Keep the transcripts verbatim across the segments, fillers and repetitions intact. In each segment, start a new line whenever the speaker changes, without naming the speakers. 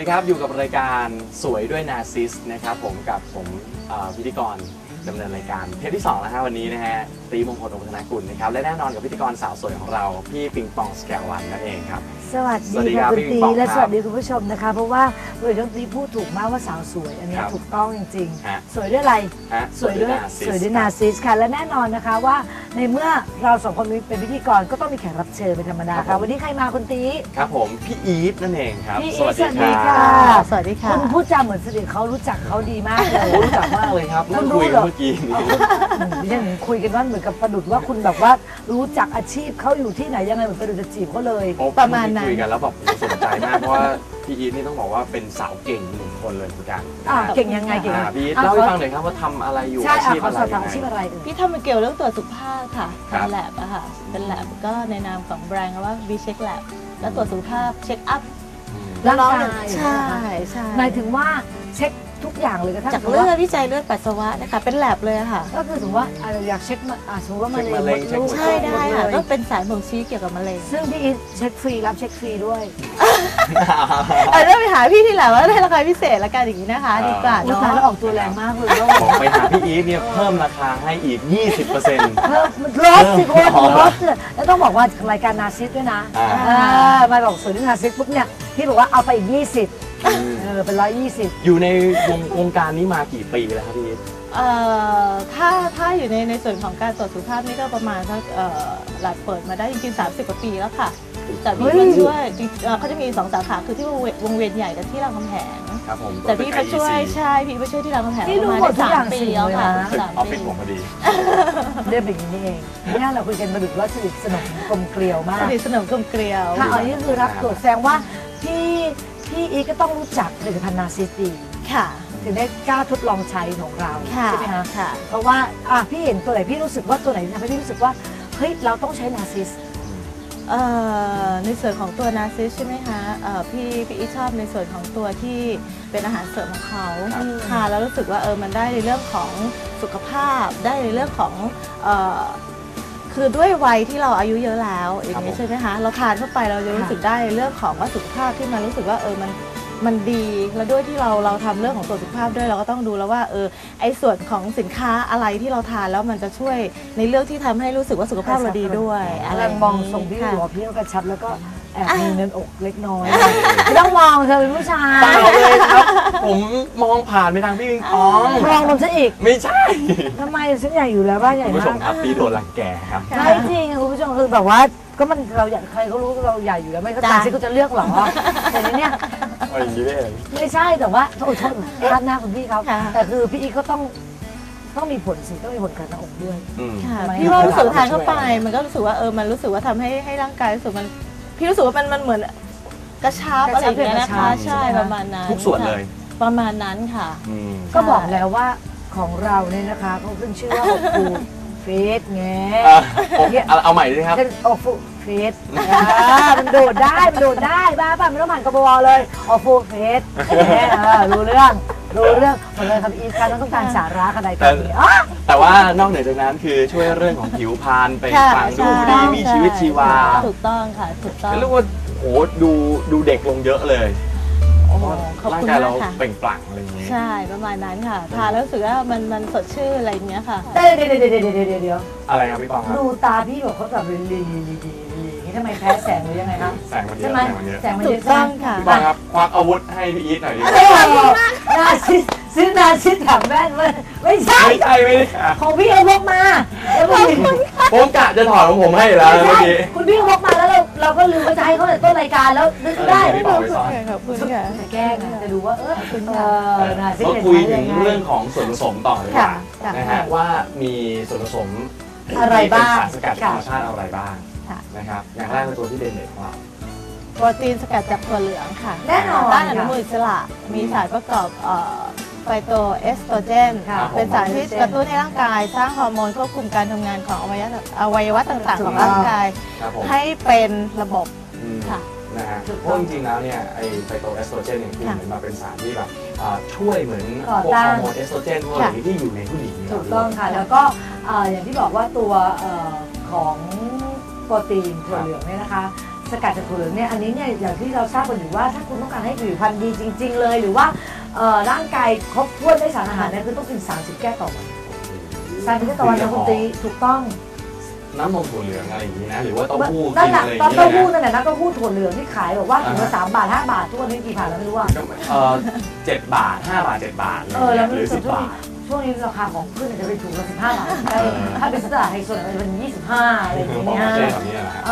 ครับอยู่กับรายการสวยด้วยนาซิสนะครับผมกับผมพิธีกรดำเนินรายการเทปที่สองแล้วฮะวันนี้นะฮะตีมงคลองค์ธนกุลนะครับและแน่นอนกับพิธีกรสาวสวยของเราพี่ปิงปองสแกลวันนั่นเองครับ
สวัสดีค่ะคุณตีและสวัสดีคุณผู้ชมนะคะเพราะว่าโดยทั้งตีพูดถูกมากว่าสาวสวยอันนี้ถูกต้องจริงๆสวยด้วยอะไรสวยด้วยสวยด้วยนาซิสค่ะและแน่นอนนะคะว่าในเมื่อเราสองคนเป็นพิธีกรก็ต้องมีแขกรับเชิญเป็นธรรมดาค่ะวันนี้ใครมาคุณตี
ครับผมพี่อีฟนั่นเองครับ
สวัสดีค่ะ
สวัสดีค่ะ
คุณพูดจาเหมือนสนิทเขารู้จักเขาดีมากเลย
รู้จักมากเลยครับนั่งคุยกันเมื่อกี้
ดิฉันคุยกันว่าเหมือนกับประดุจว่าคุณแบบว่ารู้จักอาชีพเขาอยู่ที่ไหนยังไงเหมือนประดุจจะจีบเขาเลย
ประมาณนั้น
คุยกันแล้วแบบสนใจมากเพราะว่าพี่อีทนี่ต้องบอกว่าเป็นสาวเก่งหนึ่งคนเลยเหมือนกัน
เก่งยังไงเก่ง
พี่อีทเล่าให้ฟังหน่อยครับว่าทำอะไรอยู่อาชีพอะไร
อาชีพอะไร
พี่ทำเกี่ยวเรื่องตรวจสุขภาพค่ะเป็นแลบอะค่ะเป็นแลบก็ในนามของแบรนด์ว่า บี เช็ค แลบ แล้วตรวจสุขภาพเช็คอัพ
ร่างกาย
ใช่ใช่
หมายถึงว่าเช็คทุกอย่างเลยกระทั่ง
จากเลือดวิจัยเลือดปัสสาวะนะคะเป็นแลบเลยค่ะ
ก็คือสมมติว่าอยากเช็คสมมติว่ามะเร็ง
ใช่ได้ค่ะก็เป็นสารบ่งชี้เกี่ยวกับมะเร็ง
ซึ่งพี่อีทเช็คฟรีรับเช็คฟรีด้วย
อาจจะไปหาพี่ที่แหละว่าได้ราคาพิเศษละกันอย่างนี้นะคะดีกว่า
เนาะแล้วออกตัวแรงมากเลย
บอกไปหาพี่อีทเนี่ยเพิ่มราคาให้อีก ยี่สิบเปอร์เซ็นต์
เพิ่มลดสิคนลดแล้วต้องบอกว่ารายการนาซิสด้วยนะมาบอกสวยด้วยนาซิสปุ๊บเนี่ยพี่บอกว่าเอาไปอีกยี่สิบเออเป็นร้อยยี่สิบ
อยู่ในวงวงการนี้มากี่ปีแล้วครับพี่
เอ่อถ้าถ้าอยู่ในในส่วนของการตรวจสุขภาพนี่ก็ประมาณสักเอ่อหลักเปิดมาได้จริงๆสามสิบกว่าปีแล้วค่ะแต่พี่มาช่วยเขาจะมีสองสาขาคือที่วงเวียนใหญ่กับที่รามคำแหง
ครับผม
แต่พี่มาช่วยใช่พี่มาช่วยที่รามคำแหงประมาณสามปีแล้วค่ะ
สามปีผมพอดี
เรื่องแบบนี้เองนี่เราคุยกันมาดึกว่าสนิทสนมกลมเกลียวมาก
สนิทสนมกลมเกลียว
ค่ะอันนี้คือรับตรวจแสดงว่าพี่พี่อีก็ต้องรู้จักผลิตภัณฑ์นาซิสดี
ค่ะ
ถึงได้กล้าทดลองใช้ของเราใช่ไหมคะ
ค่ะ
เพราะว่าอ่ะพี่เห็นตัวไหนพี่รู้สึกว่าตัวไหนทำให้พี่รู้สึกว่าเฮ้ยเราต้องใช้นาซิส
ในส่วนของตัวนาซิสใช่ไหมคะพี่พี่อีชอบในส่วนของตัวที่เป็นอาหารเสริมของเขาค่ะแล้วรู้สึกว่าเออมันได้ในเรื่องของสุขภาพได้ในเรื่องของคือด้วยวัยที่เราอายุเยอะแล้วอย่างนี้ใช่ไหมคะเราทานเข้าไปเราจะรู้สึกได้เรื่องของว่าสุขภาพที่มันรู้สึกว่าเออมันมันดีแล้วด้วยที่เราเราทำเรื่องของตัวสุขภาพด้วยเราก็ต้องดูแล้วว่าเออไอ้ส่วนของสินค้าอะไรที่เราทานแล้วมันจะช่วยในเรื่องที่ทำให้รู้สึกว่าสุขภาพเราดีด้วย
อะไรมองทรงพี่หัวพี่ก็กระชับแล้วก็แอบมีเนินอกเล็กน้อยไม่ต้องมองเธอเป็นผู้ชาย
เปล่าเลยครับผมมองผ่านไปทางพี่ปิงปอง
มองมันซะอีก
ไม่ใช่
ทำไมฉันใหญ่อยู่แล้วบ้านใหญ่มาก
คุณผู้ชมครับพี่โดนรังแกครับ
ใช่จริงคุณผู้ชมคือแบบว่าก็มันเราอยากใครเขารู้เราใหญ่อยู่แล้วไม่ก็ตามที่เขาจะเลือกหรอแต่ในเนี้ยไม่ใช่แต่ว่าโทษโทษด้านหน้าคุณพี่เขาแต่คือพี่อีก็ต้องต้องมีผลสิต้องมีผลกับหน้าอกด้วย
พี่ว่ารู้สึกทานเข้าไปมันก็รู้สึกว่าเออมันรู้สึกว่าทำให้ให้ร่างกายรู้สึกมันพี่รู้สึกว่ามันมันเหมือนกระชับอะไรอย่างเงี้ยนะคะใช่ประมาณนั้น
ทุกส่วนเลย
ประมาณนั้นค่ะ
ก็บอกแล้วว่าของเราเนี่ยนะคะเขาขึ้นชื่อว่าอบฟูเฟสไง
เอาใหม่ด้วยครับ
อบฟูเฟสมันโดดได้มันโดดได้บ้าป่ะไม่ต้องผ่านกบวเลยอบฟูเฟสรู้เรื่องรู้เรื่องหมดเลยครับอีกการต้องการสาระขนาดนี้
แต่ว่านอกเหนือจากนั้นคือช่วยเรื่องของผิวพรรณเป็นฟังดูดีมีชีวิตชีวา
ถูกต้องค่ะถูกต้อง
เรียกว่าโอ้ดูดูเด็กลงเยอะเลยร่างกายเราเปล่งปลั่งอะไรอย่างนี้
ใช่ประมาณนั้นค่ะทานแล้วรู้สึกว่ามันมันสดชื่นอะไรอย่างเงี้ยค่ะ
เดี๋ยวเดี๋ยวเดี๋ยวเดี๋ยวเดี๋ยวเดี๋ยว
อะไรครับพี่ปองครับ
ดูตาพี่บอกเขาแบบลีลีลีลีนี่ทำไมแพ้แสงหรือยังไงครับ
แสงมันเยอะแสงมันเยอะ
แสงมันเยอะต้อง
ค่ะ
พี่ปองครับควักอาวุธให้พี่อีทหน่อยดิ
นาซิสซื้อนาซิสถังแว่นไม่ใช่
ไม่ใช่ไม่ได้
ของพี่เอาพกมา
ผมกะจะถอดของผมให้แล้วเมื่อกี้
คุณพี่พกมาแล้วเราเราก็ลืมว่าจะให้เขาต้นรายการแล้วนึกได้
ไม่บอกไปสอน
ขอบคุณค่ะ
จะแก้จะดูว่าเออคุณเออ
ก็คุยถึงเรื่องของส่วนผสมต่อเลยนะฮะว่ามีส่วนผสม
อะไรบ้าง
สารสกัดธรรมชาติอะไรบ้างนะครับอย่างแรกเป็นตัวที่เด่นเด่นของเรา
โปรตีนสกัดจากถั่วเหลืองค่ะ
แน่นอน
ต้านอนุมูลอิสระมีสารประกอบไฟโตเอสโตรเจนเป็นสารที่กระตุ้นให้ร่างกายสร้างฮอร์โมนควบคุมการทำงานของอวัยวะอวัยวะต่างๆของร่างกายให้เป็นระบบค่ะ
นะฮะเพราะจริงๆแล้วเนี่ยไอไฟโตเอสโตรเจนเนี่ยคือเหมือนมาเป็นสารที่แบบช่วยเหมือนพวกฮอร์โมนเอสโตรเจนพวกอะไรที่อยู่ในผู้หญิง
ถูกต้องค่ะแล้วก็อย่างที่บอกว่าตัวของโปรตีนถั่วเหลืองเนี่ยนะคะสกัดจากถั่วเหลืองเนี่ยอันนี้เนี่ยอย่างที่เราทราบกันอยู่ว่าถ้าคุณต้องการให้ผิวพรรณดีจริง ๆ เลย หรือว่าเอ่อร่างกายครบถ้วนด้วยสารอาหารเนี่ยคือต้องกินสามสิบแก้วต่อวันสามสิบแก้วต่อวันนะคุณตีถูกต้อง
น้ำนมถั่วเหลืองอะไรอย่างนี้นะหรือว่าเต้าหู้
นั่นแหละ
อะไรอย่าง
เต้า
นี้
หู้
นะ
นั่นแหละนะเต้าหู้ถั่วเหลืองที่ขายบอกว่าถุงละสามบาทห้าบาททุกวันนี้กี่บาทแล้วไม่รู้อ่ะ
เออเจ็ดบาทห้าบาทเจ็ดบาท
เออแล้ว
ห
ไม่
รือ
รู้สึ
สิ
ก
บ
ช่วง
บา
นี้
ท
ช่วงนี้ราคาของพืชจะเป็นถุงละสิบห้าบาท
เออ
ถ้าเป็นตลาดไฮโซเนี่ยจะเป็นยี่สิบห้าอะไรอย่าง
บอก
เงี้ย
ว่าเจ๊แบบนี้นะฮะ
เออ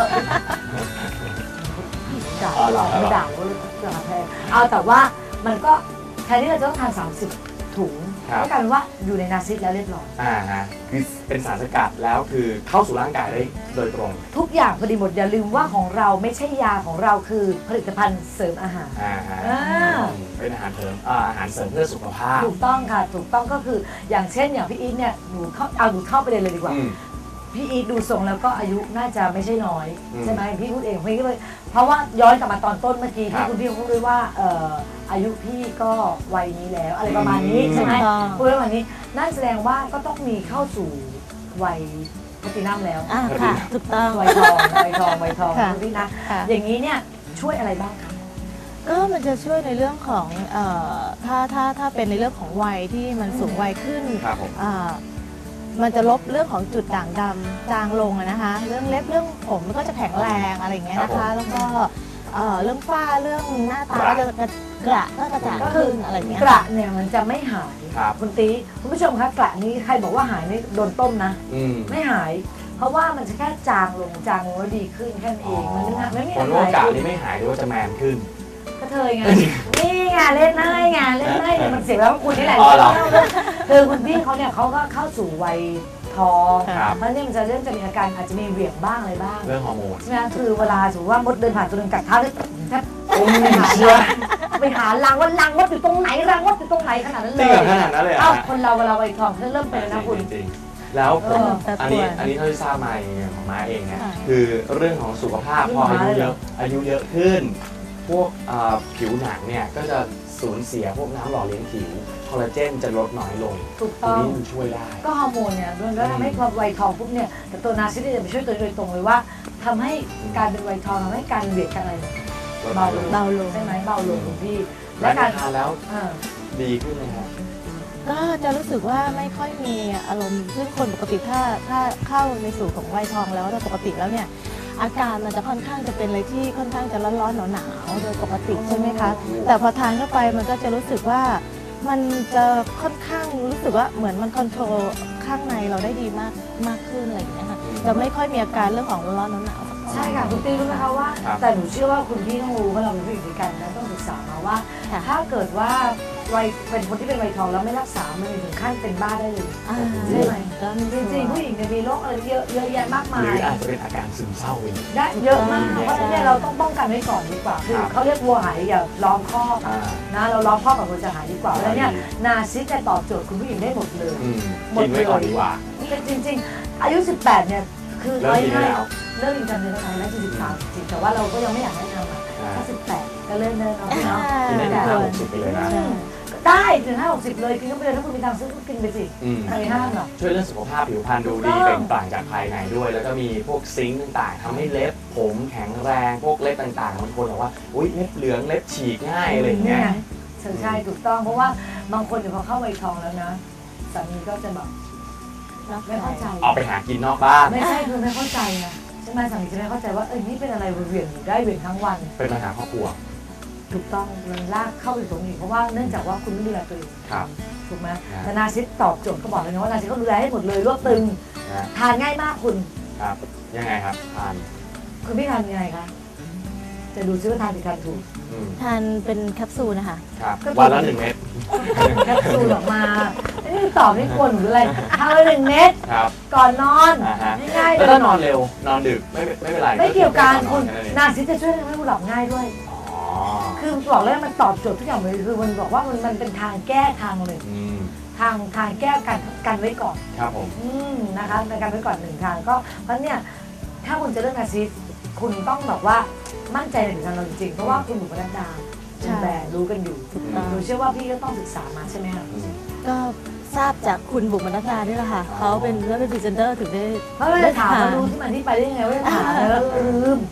ด่าเราไม่ด่าว่าราคาแพงเอาแต่ว่ามันก็แทนที่เราจะต้องทานสามสิบถุงก็กลายเป็นว่าอยู่ในนาซิสแล้วเรียบร้อย
อ่าฮะคือเป็นสารสกัดแล้วคือเข้าสู่ร่างกายได้โดยตรง
ทุกอย่างพอดีหมดอย่าลืมว่าของเราไม่ใช่ยาของเราคือผลิตภัณฑ์เสริมอาหาร
อ่าฮะ
อ่า
เป็นอาหารเสริมอ่าอาหารเสริมเพื่อสุขภาพ
ถูกต้องค่ะถูกต้องก็คืออย่างเช่นอย่างพี่อีทเนี่ยหนูเข้าเอาหนูเข้าไปเลยเลยดีกว่า
อืม
พี่อีทดูทรงแล้วก็อายุน่าจะไม่ใช่น้อย
อืม
ใช่ไหมพี่พูดเองพี่ก็เลยเพราะว่าย้อนกลับมาตอนต้นเมื่อกี้
ครั
ที่
บ
คุณพี่พูดด้วยว่าเอ่ออายุพี่ก็วัยนี้แล้วอะไรประมาณนี้
อืม
ใช่ไหม
ถูกต้อง
พูดประมาณนี้นั่นแสดงว่าก็ต้องมีเข้าสู่วัยแพลตินัมแล้ว
อ่าค่ะถูกต้อง
วัยทองวัยทองวัยทอง
ค่ะ
คุณพี่นะ
ค่ะ
อย่างนี้เนี่ยช่วยอะไรบ้างคะ
ก็มันจะช่วยในเรื่องของเอ่อถ้าถ้าถ้าเป็นในเรื่องของวัยที่มันสูงวัยขึ้น
ครับผม
อ่ามันจะลบเรื่องของจุดด่างดำจางลงอะนะคะ เรื่องเล็บเรื่องผมมันก็จะแข็งแรงอะไรอย่างเงี้ยนะคะ แล้วก็เอ่อเรื่องฝ้าเรื่องหน้าตาก็จะกระกระก็กระจ่าง
ก็คือ
ขึ้นอะไรอย่างเงี้ย
กระเนี่ยมันจะไม่หาย
ครับ
คุณตีคุณผู้ชมคะกระนี้ใครบอกว่าหายนี่โดนต้มนะ
อืม
ไม่หาย เพราะว่ามันจะแค่จางลงจางลงแล้วดีขึ้นแค่นั้นเองมันไม่ไม่มี
ค
อะ
น
ไร
ว่ากะนี่ไม่หายหรือว่าจะแมนขึ้น
ก็เธอไงนี่ไงเล่นได้ไงเล่นได้เนี่ยมันเสียแล้วคุณนี่แหละ
อ๋อเหรอ
คือคุณพี่เขาเนี่ยเขาก็เข้าสู่วัยทอง
ครับ
เพราะเนี่ยมันจะเริ่มจะมีอาการอาจจะมีเหวี่ยงบ้างอะไรบ้าง
เรื่องฮอร์โมน
ใช่ไหมคือเวลาสมมติว่ามดเดินผ่านตัวหนึงกัดเท้าเลยแทบ
โอ้ย
ไปหา
เชื่อ
ไปหารังว่ารังมดอยู่ตรงไหนรังมดอยู่ตรงไหนขนาดนั้น
จ
เล
ริง
ย
เหรอขนาดนั้นเลยเหร
เอ้า
อฮะ
คนเราเวลาวัยทองเขาเริ่มเป็นแล้วนะคุณ
จริงๆแล้วผม
เออ
อันนี้อันนี้เท่าที่ทราบมาเองของม้าเองเนี่ย
ค่ะ
คือเรื่องของสุขภาพพออายุเยอะ
ขึ้นมาเลย
อายุเยอะขึ้น พวกเอ่อผิวหนังเนี่ยก็จะสูญเสียพวกน้ำหล่อเลี้ยงผิวคอลลาเจนจะลดน้อยลง
ถูก
ตรง
ต้อง
นี้มันช่วยได้
ก็ฮอร์โมนเนี่ยโดนแล้วทำให้พอวัยทองปุ๊บเนี่ยแต่ตัวนาซิสเนี่ยจะไปช่วยตัวโดยตรงเลยว่าทำให้การเป็นวัยทองทำให้การเบียดกันอะไรเนี่ยเบาลง
เบาลง
ใช่ไหมเบาลงคุณพี่
และ
และ
กา
การ ร
ทานแล้ว
อ่า
ดีขึ้นไหมครับ
ก็จะรู้สึกว่าไม่ค่อยมีอารมณ์ซึ่งคนปกติถ้าถ้าเข้าในสู่ของวัยทองแล้วโดยปกติแล้วเนี่ยอาการมันจะค่อนข้างจะเป็นอะไรที่ค่อนข้างจะร้อนๆหนาวๆโดยปกติใช่ไหมคะแต่พอทานเข้าไปมันก็จะรู้สึกว่ามันจะค่อนข้างรู้สึกว่าเหมือนมันคอนโทรลข้างในเราได้ดีมากมากขึ้นอะไรอย่างเงี้ยค่ะจะไม่ค่อยมีอาการเรื่องของร้อนๆหนาวๆ
ใช่ค่ะคุณตีรู้ไหมคะว่า
ครับ
แต่หนูเชื่อว่าคุณพี่ต้องรู้เพราะเราเป็นผู้หญิงด้วยกันนะต้องศึกษามาว่า
ค่ะ
ถ้าเกิดว่าวัยเป็นคนที่เป็นวัยทองแล้วไม่รักษา มันมีถึงขั้นเป็นบ้าได้เลย
อ่า
ใช่ไหม
ก็มี
จริงๆผู้หญิงเนี่ยมีโรคอะไรเยอะเยอะแยะมาก
ห
มา
รื
ย
ออาจจะเป็นอาการซึมเศร้าเอง
ได้เยอะมากเพราะฉะนั้นเนี่ยเราต้องป้องกันไว้ก่อนดีกว่าคือ
ครับ
เขาเรียกวัวหายอย่าล้อมคอก
อ่า
นะเราล้อมคอกกับวัวจะหายดีกว่าแล้วเนี่ย
ดี
นาซิสจะตอบโจทย์คุณผู้หญิงได้หมดเลย
อืม
หมด
กินไว้ก่อนดีกว่า
แต่จริงๆ อายุ สิบแปด เนี่ยคือ
เริ่มกินได้แล้ว
เริ่มกินกันเลยนะคะแล้วสิบสามจริงแต่ว่าเราก็ยังไม่อยากแนะนำอ่ะ
อ่า
ถ้าสิบแปดก็เริ่มเดินเอาเนาะ
กินได้ถึงห้าหกสิบไปเลยนะ
ใช่
ได้ถึงห้าหกสิบเลยกินก็ไปเลยถ้าคุณมีตังค์ซื้อก็กินไปสิ
อืม
ใครห้ามหรอก
ช่วยเรื่องสุขภาพผิวพรรณดูดี
ถูกต้อง
เปล่งปลั่งจากภายในด้วย แล้วก็มีพวกซิงค์ต่างๆทำให้เล็บผมแข็งแรง พวกเล็บต่างๆบางคนบอกว่าอุ้ยเล็บเหลืองเล็บฉีกง่ายอะไรอย่างเงี้ย
ใช่ใช่ถูกต้องเพราะว่าบางคนเดี๋ยวพอเข้าวัยทองแล้วนะสามีก็จะแบบไม่เข้าใจ
ออกไปหากินนอกบ้าน
ไม่ใช่คือไม่เข้าใจนะใช่ไหมสามีจะไม่เข้าใจว่าเออนี่เป็นอะไรเหวี่ยงอยู่ได้เหวี่ยงทั้งวัน
เป็นปัญหาครอบครัว
ถูกต้องมันลากเข้าไปตรงนี้เพราะว่าเนื่องจากว่าคุณไม่ดูแลตัวเอง
ครับ
ถูกไหม
นะ
แต่นาซิสตอบโจทย์ก็บอกเลยนะว่านาซิสเขาดูแลให้หมดเลยรวบตึง
นะ
ทานง่ายมากคุณ
ครับ ยังไงครับทาน
คุณพี่ทานยังไงคะจะดูซิว่าทานผิดทานถูก
อืม
ทานเป็นแคปซูลนะคะ
ครับ
ก็
วันละหนึ่งเม็ด
แคปซูลออกมานี่ตอบไม่ควรหรืออะไรทานไปหนึ่งเม็ด
ครับ
ก่อนนอน
อ่าฮะ
ง่ายๆเล
แล้ว
ย
ถ้านอนเร็ว นอนดึกไม่ไม่เป็นไร
ไม่เกี่ยวกัน
อ
คุณ
แนั้นเอง
นาซิสจะช่วยทำให้คุณหลับง่ายด้วย
อ๋อ
คือบอกเลยว่ามันตอบโจทย์ทุกอย่างเลยคือมันบอกว่ามันมันเป็นทางแก้ทางเลย
อืม
ทางทางแก้กันกันไว้ก่อน
ครับผม
อืมนะคะในการไว้ก่อนหนึ่งทางก็เพราะเนี่ยถ้าคุณจะเลือกนาซิสคุณต้องแบบว่ามั่นใจในผลิตภัณฑ์เราจริงๆเพราะว่าคุณอยู่กับนักดา
ใช่
คุณแบรนด์รู้กันอยู่
ถูกต้อง
หนูเชื่อว่าพี่ก็ต้องศึกษามาใช่ไหมคะ
อืม
ก็ทราบจากคุณบุ๋มบรรณดานี่แหละค่ะ
อ๋อ
เขาเป็นเรื่องเป็นพรีเซนเตอร์ถึงได้
เพราะเราจะถามว่ารู้ที่มาที่ไปได้ยังไงว่าจะถามแล้วลืม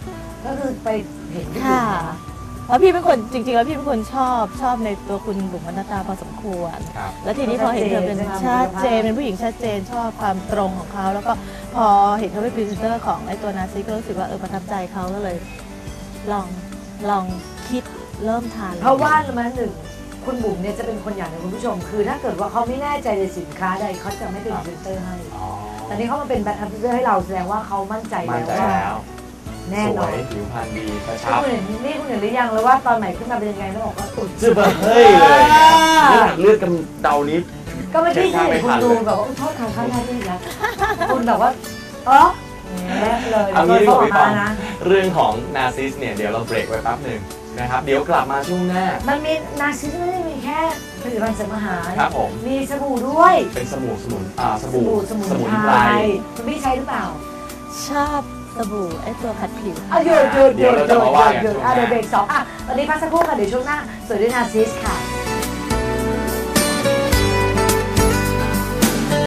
ก็คือไปเห็นที่
ค่ะเพราะพี่เป็นคนจริงๆแล้วพี่เป็นคนชอบชอบในตัวคุณบุ๋มบรรณตาพอสมควร
ครับ
แล้วทีนี้พอเห็นเธอเป็นชัดเจนเป็นผู้หญิงชัดเจนชอบความตรงของเขาแล้วก็พอเห็นเขาเป็นพรีเซนเตอร์ของไอ้ตัวนาซิก็รู้สึกว่าเออประทับใจเขาก็เลย ลองลองคิดเริ่มทาน
เพราะว่ามาหนึ่งคุณบุ๋มเนี่ยจะเป็นคนอย่างหนึงคุณผู้ชม คือถ้าเกิดว่าเขาไม่แน่ใจในสินค้าใดเขาจะไม่เป็นพรีเซนเตอร์ให้
อ๋อ
แต่นี่เขามาเป็นแบรนด์พรีเซนเตอร์ให้เราแสดงว่าเขามั่นใจ
มั่น
แล้ว
ใจ
ว่า
แล้ว
แน่
ส
น
ว
อน
ยผิวพรรณดีกระ
นี่
ชับ
คุณเห็นนี่คุณเห็นหรือยังเลยว่าตอนใหม่ขึ้นมาเป็นยังไงแล้วบอกว่าอุ่น
จะแบบเฮ้ยเลยนะครับนี่หลักเลือดกำเดานี้
ก็ไม่ที่เห็นคุณดูแบบว่าโทษทางข้างหน้าที่นะคุณแบบว่าเออแย่เลย
เอางี้ดีกว่าพี่ปอง
นะ
เรื่องของนาซิสเนี่ยเดี๋ยวเราเบรกไว้แป๊บหนึ่งนะครับเดี๋ยวกลับมาช่วงหน้า
มันมีนาซิสไม่ได้มีแค่ผลิตภัณฑ์เสริมอาหาร
ครับผม
มีสบู่ด้วย
เป็นสบู่สมุนอ่าส
ส
บู่
บู่สมุน
สมุน
ไพ
ไพ
ร
ร
คุณพี่ใช้หรือเปล่า
ชอบสบู่ไอ้ตัวขัดผิว
อ่ะหยุดหยุดห
เดี๋
ยุ
ยว
ด
เรา
ห
จะ
ยุด
มาว่ากัน
หยุด
ช่วงห
อ่ะ
น้า
เดี๋ยวเบรกสองอ่ะตอนนี้พักสักครู่ค่ะเดี๋ยวช่วงหน้าสวยด้วยนาซิสค่ะ